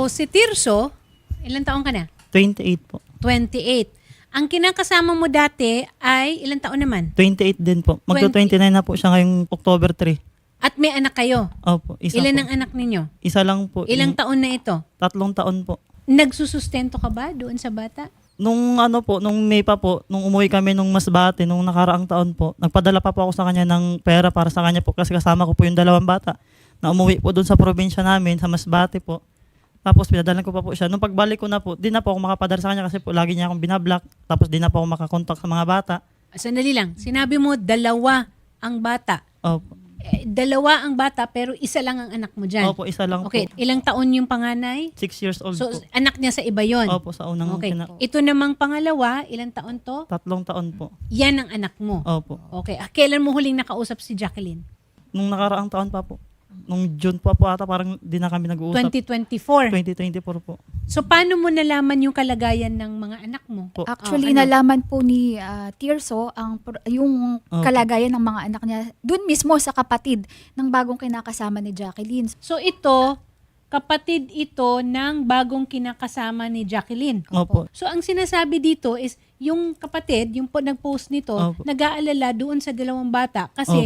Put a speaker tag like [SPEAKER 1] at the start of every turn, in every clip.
[SPEAKER 1] So, si Tirso, ilang taon ka na?
[SPEAKER 2] 28 po.
[SPEAKER 1] 28. Ang kinakasama mo dati ay ilang taon naman?
[SPEAKER 2] 28 din po. Magto-29 na po siya ngayong October 3.
[SPEAKER 1] At may anak kayo?
[SPEAKER 2] Opo, isa
[SPEAKER 1] Ilan
[SPEAKER 2] po.
[SPEAKER 1] ang anak ninyo?
[SPEAKER 2] Isa lang po.
[SPEAKER 1] Ilang taon na ito?
[SPEAKER 2] 3 taon po.
[SPEAKER 1] Nagsusustento ka ba doon sa bata?
[SPEAKER 2] Nung nung May pa po, nung umuwi kami nung Masbate, nung nakaraang taon po, nagpadala pa po ako sa kanya ng pera para sa kanya po kasi kasama ko po yung 2 bata na umuwi po doon sa probinsya namin, sa Masbate po. Tapos pinadalan ko pa po siya. Nung pagbalik ko na po, di na po ako makapadala sa kanya kasi po lagi niya akong binablock. Tapos di na po ako makakontak sa mga bata.
[SPEAKER 1] Sandali lang. Sinabi mo, 2 ang bata.
[SPEAKER 2] Opo.
[SPEAKER 1] 2 ang bata pero isa lang ang anak mo dyan.
[SPEAKER 2] Opo, isa lang
[SPEAKER 1] Okay.
[SPEAKER 2] po.
[SPEAKER 1] Ilang taon yung panganay?
[SPEAKER 2] 6 years old
[SPEAKER 1] So,
[SPEAKER 2] po.
[SPEAKER 1] anak niya sa iba yon.
[SPEAKER 2] Opo, sa unang
[SPEAKER 1] Okay. Ito namang pangalawa, ilang taon to?
[SPEAKER 2] 3 taon po.
[SPEAKER 1] Yan ang anak mo.
[SPEAKER 2] Opo.
[SPEAKER 1] Okay. Kailan mo huling nakausap si Jacqueline?
[SPEAKER 2] Nung nakaraang taon pa po. Nung June pa po ata parang di na kami nag-uusap.
[SPEAKER 1] 2024.
[SPEAKER 2] 2024 po.
[SPEAKER 1] So, paano mo nalaman yung kalagayan ng mga anak mo?
[SPEAKER 2] Po.
[SPEAKER 3] Actually,
[SPEAKER 1] ano?
[SPEAKER 3] nalaman po ni Tirso yung
[SPEAKER 2] Okay.
[SPEAKER 3] kalagayan ng mga anak niya dun mismo sa kapatid ng bagong kinakasama ni Jacqueline.
[SPEAKER 1] So, ito, kapatid ito ng bagong kinakasama ni Jacqueline.
[SPEAKER 2] Opo.
[SPEAKER 1] So, ang sinasabi dito is, yung kapatid, yung po nag-post nito,
[SPEAKER 2] Opo.
[SPEAKER 1] nag-aalala doon sa 2 bata kasi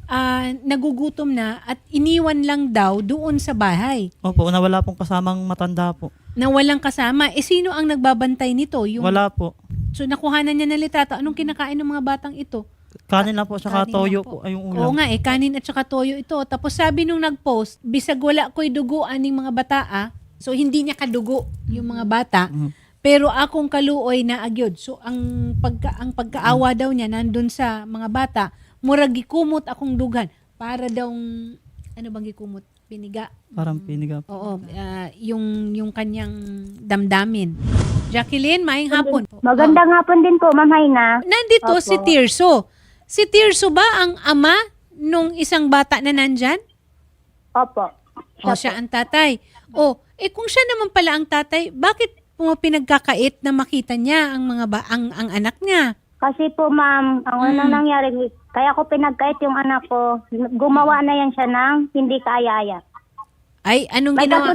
[SPEAKER 1] nagugutom na at iniwan lang daw doon sa bahay
[SPEAKER 2] Opo, nawala pong kasamang matanda po.
[SPEAKER 1] na walang kasama. Sino ang nagbabantay nito?
[SPEAKER 2] Wala po.
[SPEAKER 1] So, nakuhanan niya ng litrato. Anong kinakain ng mga batang ito?
[SPEAKER 2] Kanin lang po, tsaka
[SPEAKER 3] Kanin
[SPEAKER 2] toyo
[SPEAKER 3] lang po.
[SPEAKER 2] po ay yung
[SPEAKER 1] Oo
[SPEAKER 2] ulam.
[SPEAKER 1] nga kanin at saka toyo ito. Tapos sabi nung nag-post, bisag wala ko'y duguan ng mga bata so hindi niya kadugo yung mga bata. Pero akong kaluoy na agyod. So ang pagkaawa daw niya nandun sa mga bata, murag gikumot akong dugan para daw ano bang gikumot? Piniga.
[SPEAKER 2] Parang piniga po.
[SPEAKER 1] Oo, yung kanyang damdamin. Jacqueline, maayong hapon.
[SPEAKER 4] Magandang hapon din po, Ma'am Haina.
[SPEAKER 1] Nandito
[SPEAKER 4] Opo.
[SPEAKER 1] si Tirso. Si Tirso ba ang ama nung isang bata na nandyan?
[SPEAKER 4] Opo.
[SPEAKER 1] O siya ang tatay. Kung siya naman pala ang tatay, bakit mo pinagkakait na makita niya ang ang anak niya?
[SPEAKER 4] Kasi po, Ma'am, ang unang nangyari, kaya ko pinagkait yung anak ko, gumawa na yan siya ng hindi kaaya-aya.
[SPEAKER 1] Ay, anong
[SPEAKER 4] May
[SPEAKER 1] ginawa?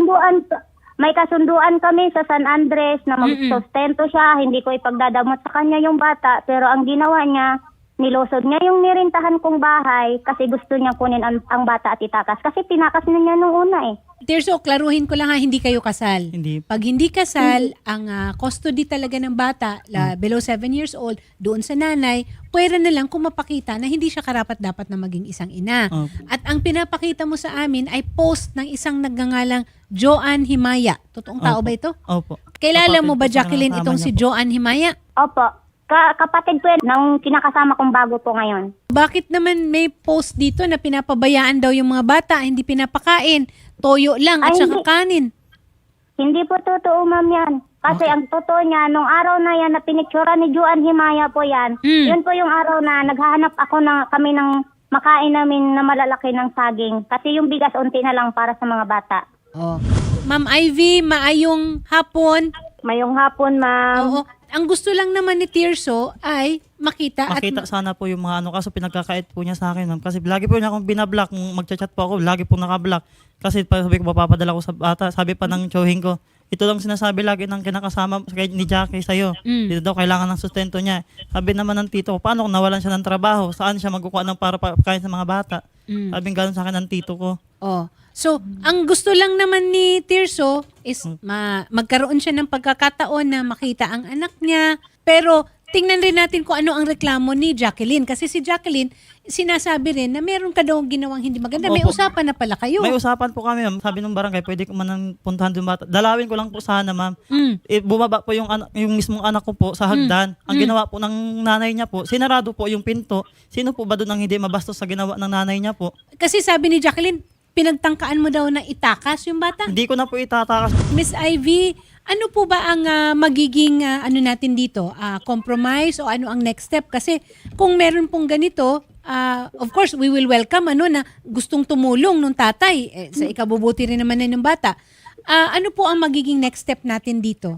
[SPEAKER 4] kasunduan kami sa San Andres na magsustento siya, hindi ko ipagdadamot sa kanya yung bata, pero ang ginawa niya, nilusod niya yung nirintahan kong bahay kasi gusto niya kunin ang bata at itakas. Kasi tinakas na niya nung una
[SPEAKER 1] Tirso, klaruhin ko lang hindi kayo kasal.
[SPEAKER 2] Hindi.
[SPEAKER 1] Pag hindi kasal, ang custody talaga ng bata, below 7 years old, doon sa nanay, pwera na lang kung mapakita na hindi siya karapat-dapat na maging isang ina.
[SPEAKER 2] Opo.
[SPEAKER 1] At ang pinapakita mo sa amin ay post ng isang nagngangalang Joanne Himaya. Totoong tao
[SPEAKER 2] Opo.
[SPEAKER 1] ba ito?
[SPEAKER 2] Opo.
[SPEAKER 1] Kilala
[SPEAKER 2] Kapatid
[SPEAKER 1] mo ba,
[SPEAKER 2] po sa
[SPEAKER 1] Jacqueline,
[SPEAKER 2] kasama
[SPEAKER 1] itong
[SPEAKER 2] niya
[SPEAKER 1] si
[SPEAKER 2] po.
[SPEAKER 1] Joanne Himaya?
[SPEAKER 4] Opo. Kapatid ko yan, ng kinakasama kong bago po ngayon.
[SPEAKER 1] Bakit naman may post dito na pinapabayaan daw yung mga bata, hindi pinapakain, toyo lang at
[SPEAKER 4] Ay,
[SPEAKER 1] saka
[SPEAKER 4] hindi.
[SPEAKER 1] kanin?
[SPEAKER 4] Hindi po totoo, Ma'am, yan. Kasi ang totoo niya, nung araw na yan na pinictura ni Joanne Himaya po yan, yun po yung araw na naghahanap kami ng makain namin na malalaki ng saging. Kasi yung bigas unti na lang para sa mga bata.
[SPEAKER 1] Oh. Ma'am Ivy, maayong hapon.
[SPEAKER 4] Mayong hapon, Ma'am.
[SPEAKER 1] Oo. Ang gusto lang naman ni Tirso ay makita
[SPEAKER 2] Makita sana po yung mga kaso pinagkakait po niya sa akin, ma'am. Kasi lagi po niya akong binablock. Nung magchat po ako, lagi po nakablock. Kasi sabi ko, papapadala ko sa bata. Sabi pa ng tiyuhin ko, ito lang sinasabi lagi ng kinakasama ni Jackie sa'yo. Dito daw kailangan ng sustento niya. Sabi naman ng tito ko, paano kung nawalan siya ng trabaho? Saan siya magkukuha ng para pagkain sa mga bata? Sabi gano'n sa akin ng tito ko.
[SPEAKER 1] Oh. So, ang gusto lang naman ni Tirso is magkaroon siya ng pagkakataon na makita ang anak niya. Pero tingnan rin natin kung ano ang reklamo ni Jacqueline. Kasi si Jacqueline, sinasabi rin na meron ka daw ginawang hindi maganda. May
[SPEAKER 2] Opo.
[SPEAKER 1] usapan na pala kayo.
[SPEAKER 2] May usapan po kami, ma'am. Sabi ng barangay, pwede ko man puntahan yung bata. Dalawin ko lang po sana, ma'am. Bumaba po yung mismong anak ko po sa hagdan. Ang ginawa po ng nanay niya po, sinarado po yung pinto. Sino po ba doon ang hindi mabastos sa ginawa ng nanay niya po?
[SPEAKER 1] Kasi sabi ni Jacqueline, pinagtangkaan mo daw na itakas yung bata.
[SPEAKER 2] Hindi ko na po itatakas.
[SPEAKER 1] Miss Ivy, ano po ba ang magiging ano natin dito? Compromise o ano ang next step? Kasi kung meron pong ganito, of course, we will welcome na gustong tumulong nung tatay. Sa ikabubuti rin naman na ng bata. Ano po ang magiging next step natin dito?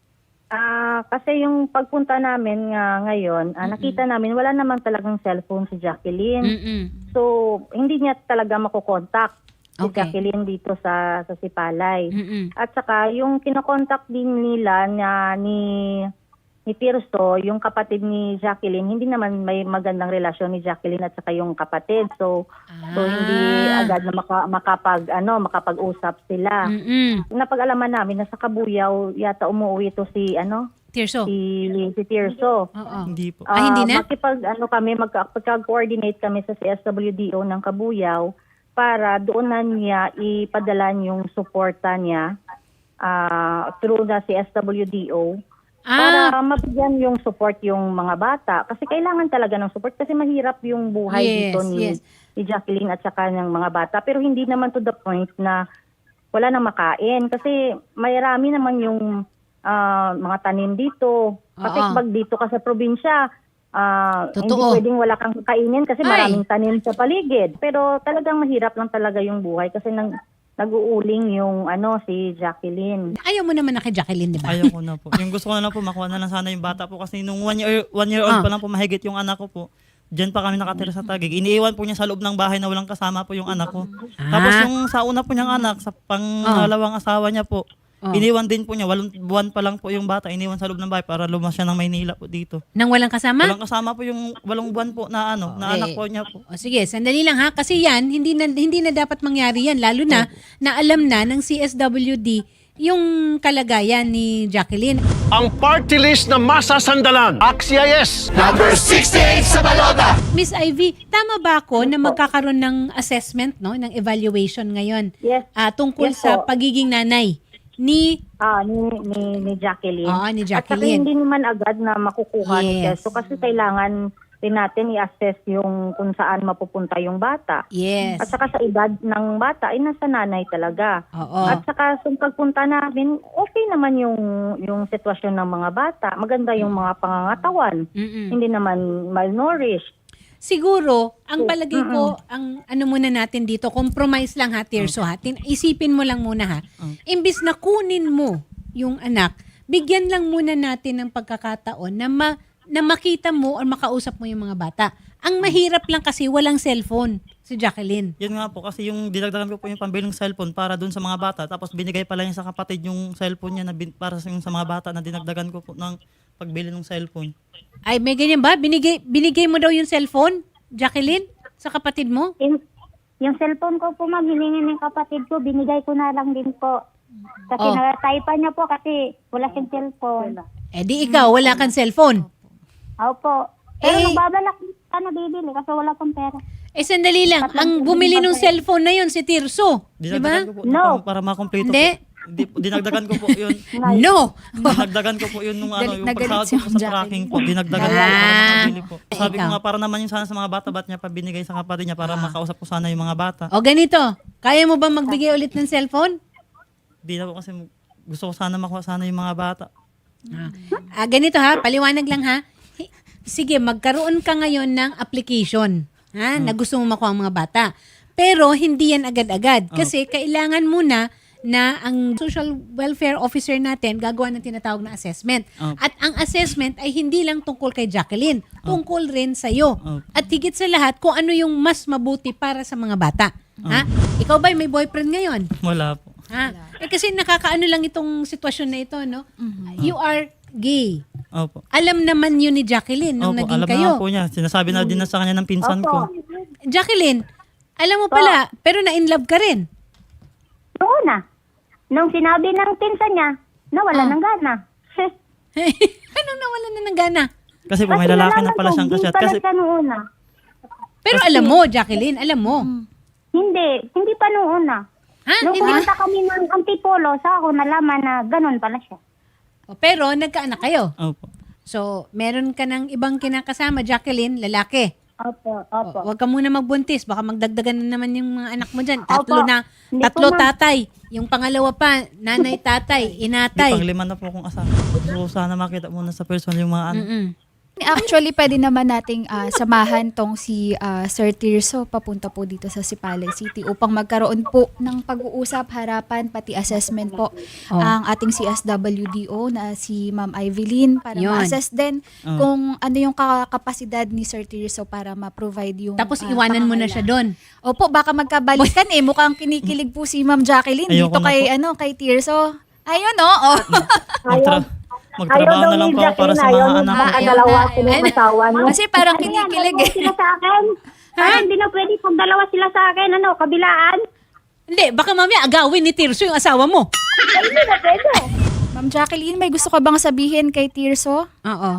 [SPEAKER 5] Kasi yung pagpunta namin ngayon, nakita namin wala naman talagang cellphone si Jacqueline. So, hindi niya talaga makokontak. si
[SPEAKER 1] Okay.
[SPEAKER 5] Jacqueline dito sa Sipalay.
[SPEAKER 1] Mm-mm.
[SPEAKER 5] At saka yung kinokontak din nila ni Tirso, yung kapatid ni Jacqueline, hindi naman may magandang relasyon ni Jacqueline at saka yung kapatid. So hindi agad na makapag-usap sila.
[SPEAKER 1] Mm-mm.
[SPEAKER 5] Napag-alaman namin na sa Kabuyaw yata umuwi to si
[SPEAKER 1] Tirso.
[SPEAKER 5] si Tirso.
[SPEAKER 1] Oo.
[SPEAKER 2] Hindi po.
[SPEAKER 1] Hindi na?
[SPEAKER 5] Magka-coordinate kami sa CSWDO ng Kabuyaw para doon na niya ipadala yung suporta niya through the CSWDO para mabigyan yung support yung mga bata. Kasi kailangan talaga ng support kasi mahirap yung buhay
[SPEAKER 1] Yes,
[SPEAKER 5] dito ni Jacqueline at saka ng mga bata. Pero hindi naman to the point na wala nang makain. Kasi marami naman yung mga tanim dito. Kasi
[SPEAKER 1] Oo.
[SPEAKER 5] pag dito ka sa probinsya, hindi
[SPEAKER 1] Totoo.
[SPEAKER 5] pwedeng wala kang kainin kasi
[SPEAKER 1] Ay.
[SPEAKER 5] maraming tanim sa paligid. Pero talagang mahirap lang talaga yung buhay kasi nag-uuling yung si Jacqueline.
[SPEAKER 1] Ayaw mo naman na kay Jacqueline, di ba?
[SPEAKER 2] Ayaw ko na po. Yung gusto ko na lang po, makuha na lang sana yung bata po. Kasi nung 1 year old pa lang po, mahigit yung anak ko po. Diyan pa kami nakatira sa Taguig. Iniiwan po niya sa loob ng bahay na walang kasama po yung anak ko. Tapos yung sa una po niyang anak, sa pangalawang asawa niya po, iniwan din po niya. 8 buwan pa lang po yung bata. Iniwan sa loob ng bahay para lumas siya ng Maynila po dito.
[SPEAKER 1] Nang walang kasama?
[SPEAKER 2] Walang kasama po yung 8 buwan po na na anak po niya po.
[SPEAKER 1] O sige, sandali lang ha. Kasi yan, hindi na dapat mangyari yan. Lalo na, na alam na ng CSWD yung kalagayan ni Jacqueline.
[SPEAKER 6] Ang party list na masasandalan. Axia yes!
[SPEAKER 1] Miss Ivy, tama ba ako na magkakaroon ng assessment, no, ng evaluation ngayon?
[SPEAKER 5] Yes.
[SPEAKER 1] Tungkol
[SPEAKER 5] Yes
[SPEAKER 1] sa
[SPEAKER 5] po.
[SPEAKER 1] pagiging nanay ni
[SPEAKER 5] Ni Jacqueline.
[SPEAKER 1] Oo, ni
[SPEAKER 5] At saka
[SPEAKER 1] Jacqueline.
[SPEAKER 5] hindi naman agad na makukuha ni
[SPEAKER 1] Yes.
[SPEAKER 5] Keso kasi kailangan din natin i-assess yung kung saan mapupunta yung bata.
[SPEAKER 1] Yes.
[SPEAKER 5] At saka sa edad ng bata ay nasa nanay talaga.
[SPEAKER 1] Oo.
[SPEAKER 5] At saka sa pagpunta namin, okay naman yung sitwasyon ng mga bata. Maganda yung mga pangangatawan.
[SPEAKER 1] Mm-mm.
[SPEAKER 5] Hindi naman malnourished.
[SPEAKER 1] Siguro, ang palagay ko, ang ano muna natin dito, compromise lang ha, Tirso ha. Isipin mo lang muna ha. Imbis na kunin mo yung anak, bigyan lang muna natin ng pagkakataon na makita mo o makausap mo yung mga bata. Ang mahirap lang kasi walang cellphone si Jacqueline.
[SPEAKER 2] Yun nga po, kasi yung dinagdagan ko po yung pambiling cellphone para dun sa mga bata. Tapos binigay pala niya sa kapatid yung cellphone niya para sa mga bata na dinagdagan ko po ng pagbili ng cellphone.
[SPEAKER 1] Ay, may ganyan ba? Binigay mo daw yung cellphone, Jacqueline, sa kapatid mo?
[SPEAKER 4] Yung cellphone ko po, ma'am, hilingin ng kapatid ko, binigay ko na lang din po. Kasi
[SPEAKER 1] Oh.
[SPEAKER 4] na-type niya po kasi wala siyang cellphone.
[SPEAKER 1] Eh di ikaw, wala kang cellphone.
[SPEAKER 4] Opo. Pero
[SPEAKER 1] Eh,
[SPEAKER 4] magbabalak ka na bibili kasi wala pong pera.
[SPEAKER 1] Sandali lang. Ang bumili ng cellphone na yun, si Tirso. Di ba?
[SPEAKER 2] Dinagdagan ko po
[SPEAKER 4] No.
[SPEAKER 2] para makompleto
[SPEAKER 1] Hindi.
[SPEAKER 2] po. Dinagdagan ko po yun.
[SPEAKER 1] No!
[SPEAKER 2] Dinagdagan ko po yun yung yung
[SPEAKER 3] Nagalit
[SPEAKER 2] pagsahod
[SPEAKER 3] si
[SPEAKER 2] ko po
[SPEAKER 3] Ma'am
[SPEAKER 2] sa tracking po. Dinagdagan ko
[SPEAKER 1] Ah.
[SPEAKER 2] para makabili po. Sabi ko
[SPEAKER 1] Ikaw.
[SPEAKER 2] nga, para naman yung sana sa mga bata, ba't niya pa binigay sa kapatid niya para makausap ko sana yung mga bata.
[SPEAKER 1] O ganito, kaya mo ba magbigay ulit ng cellphone?
[SPEAKER 2] Di na po kasi gusto ko sana makuha sana yung mga bata.
[SPEAKER 1] Ganito ha, paliwanag lang ha. Sige, magkaroon ka ngayon ng application ha, na gusto mo makuha ang mga bata. Pero hindi yan agad-agad kasi kailangan muna na ang social welfare officer natin gagawa ng tinatawag na assessment. At ang assessment ay hindi lang tungkol kay Jacqueline, tungkol rin sa iyo. At higit sa lahat kung ano yung mas mabuti para sa mga bata. Ha? Ikaw ba may boyfriend ngayon?
[SPEAKER 2] Wala po.
[SPEAKER 1] Ha? Kasi nakakaano lang itong sitwasyon na ito, no? You are gay.
[SPEAKER 2] Opo.
[SPEAKER 1] Alam naman yun ni Jacqueline nung
[SPEAKER 2] Opo,
[SPEAKER 1] naging
[SPEAKER 2] alam
[SPEAKER 1] kayo.
[SPEAKER 2] na po niya. Sinasabi na din na sa kanya ng pinsan ko.
[SPEAKER 1] Jacqueline, alam mo pala, pero na-inlove ka rin.
[SPEAKER 4] Noon na. Nung sinabi ng pinsan niya, nawala ng gana.
[SPEAKER 1] Anong nawalan na ng gana?
[SPEAKER 2] Kasi po may lalaki na pala siyang kasyat. Kasi
[SPEAKER 4] Kasi noon na.
[SPEAKER 1] Pero alam mo, Jacqueline, alam mo.
[SPEAKER 4] Hindi pa noon na.
[SPEAKER 1] Ha?
[SPEAKER 4] Nung
[SPEAKER 1] Hindi
[SPEAKER 4] pumunta kami ng Antipolo, sa ako nalaman na ganun pala siya.
[SPEAKER 1] Pero nagkaanak kayo.
[SPEAKER 2] opo.
[SPEAKER 1] So, meron ka ng ibang kinakasama, Jacqueline, lalaki.
[SPEAKER 4] Opo.
[SPEAKER 1] Huwag ka muna magbuntis. Baka magdagdagan na naman yung mga anak mo dyan.
[SPEAKER 4] Opo. Hindi
[SPEAKER 1] Tatlo
[SPEAKER 4] po, ma'am.
[SPEAKER 1] tatay. Yung pangalawa pa, nanay, tatay,
[SPEAKER 2] Di
[SPEAKER 1] inatay.
[SPEAKER 2] pang 5 na po akong asawa. So sana makita muna sa personal yung mga anak.
[SPEAKER 1] Mm-mm.
[SPEAKER 3] Actually, pwede naman nating samahan tong si Sir Tirso papunta po dito sa Sipalay City upang magkaroon po ng pag-uusap, harapan, pati assessment po ang ating CSWDO na si Ma'am Evelyn para
[SPEAKER 1] Yun.
[SPEAKER 3] ma-assess din kung ano yung kapasidad ni Sir Tirso para ma-provide yung
[SPEAKER 1] Tapos iwanan mo na siya doon.
[SPEAKER 3] Opo, baka magkabalikan Mukhang kinikilig po si Ma'am Jacqueline
[SPEAKER 2] Ayoko
[SPEAKER 3] dito
[SPEAKER 2] na
[SPEAKER 3] kay kay Tirso. Ayun oh.
[SPEAKER 2] Magtrabaho na lang po ako para sa mga anak ko.
[SPEAKER 5] Dalawa sila ng asawa niyo.
[SPEAKER 3] Kasi parang kinikilig
[SPEAKER 4] Dalawa sila sa akin. Parang hindi na pwede pag dalawa sila sa akin, kabilaan.
[SPEAKER 1] Hindi, baka mamaya agawin ni Tirso yung asawa mo.
[SPEAKER 4] Hindi na pwede.
[SPEAKER 3] Ma'am Jacqueline, may gusto ka bang sabihin kay Tirso?
[SPEAKER 1] Oo.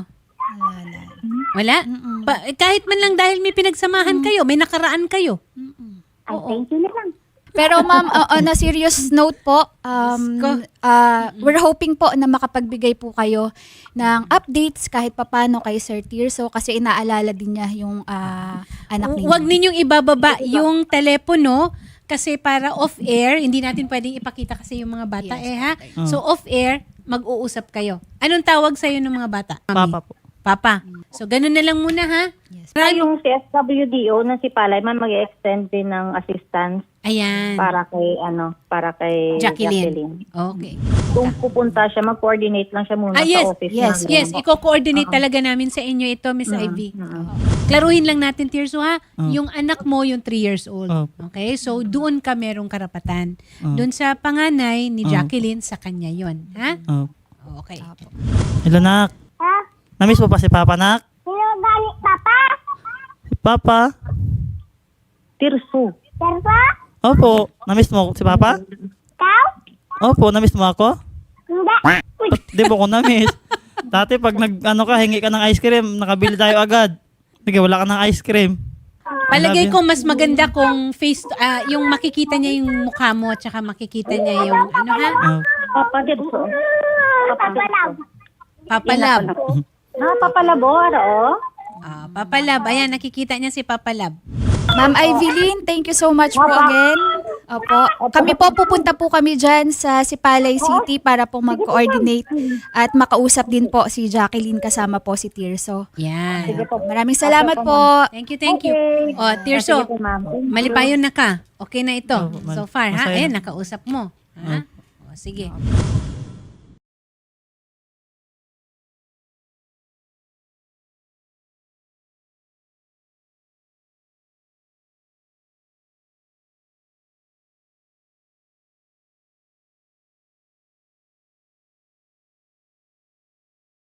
[SPEAKER 1] Wala? Kahit man lang dahil may pinagsamahan kayo, may nakaraan kayo.
[SPEAKER 4] Ay, thank you na lang.
[SPEAKER 3] Pero ma'am, on a serious note po, we're hoping po na makapagbigay po kayo ng updates kahit papano kay Sir Tirso kasi inaalala din niya yung anak ninyo.
[SPEAKER 1] Huwag ninyong ibababa yung telepono kasi para off-air, hindi natin pwedeng ipakita kasi yung mga bata ha. So off-air, mag-uusap kayo. Anong tawag sa'yo ng mga bata?
[SPEAKER 2] Papa po.
[SPEAKER 1] Papa. So ganun na lang muna ha.
[SPEAKER 5] Yung CSWDO na si Palay man mag-extend din ng assistance
[SPEAKER 1] Ayan.
[SPEAKER 5] para kay
[SPEAKER 1] Jacqueline. Okay.
[SPEAKER 5] Kung pupunta siya, mag-coordinate lang siya muna
[SPEAKER 1] Yes.
[SPEAKER 5] sa office.
[SPEAKER 1] Yes. Iko-coordinate talaga namin sa inyo ito, Miss Ivy. Klaruhin lang natin, Tirso, ha? Yung anak mo, yung 3 years old. Okay? So, doon ka merong karapatan. Doon sa panganay ni Jacqueline, sa kanya yon, ha? Okay.
[SPEAKER 2] Hello, nak.
[SPEAKER 4] Ha?
[SPEAKER 2] Namiss mo pa si Papa, nak?
[SPEAKER 4] Sino galit, Papa?
[SPEAKER 2] Si Papa?
[SPEAKER 5] Tirso.
[SPEAKER 4] Terpa?
[SPEAKER 2] Opo. Namiss mo si Papa?
[SPEAKER 4] Ikaw?
[SPEAKER 2] Opo. Namiss mo ako?
[SPEAKER 4] Hindi. Uy,
[SPEAKER 2] Di mo ko namiss. Dati pag hingi ka ng ice cream, nakabili tayo agad. Sige, wala ka ng ice cream.
[SPEAKER 1] Palagay ko mas maganda kung yung makikita niya yung mukha mo at saka makikita niya yung ha?
[SPEAKER 5] Papa Tirso.
[SPEAKER 4] papalab.
[SPEAKER 1] Papalab.
[SPEAKER 5] Papalabo,
[SPEAKER 1] Papalab. Ayan, nakikita niya si Papalab.
[SPEAKER 3] Ma'am Evelyn, thank you so much po again. Opo. Kami po, pupunta po kami dyan sa Sipalay City para po mag-coordinate at makausap din po si Jacqueline kasama po si Tirso.
[SPEAKER 1] Yan.
[SPEAKER 3] Maraming salamat po.
[SPEAKER 1] Thank you. O, Tirso, malipayon na ka. Okay na ito. So far, ha?
[SPEAKER 2] Masaya.
[SPEAKER 1] Ayan, nakausap mo. Ha? O, sige.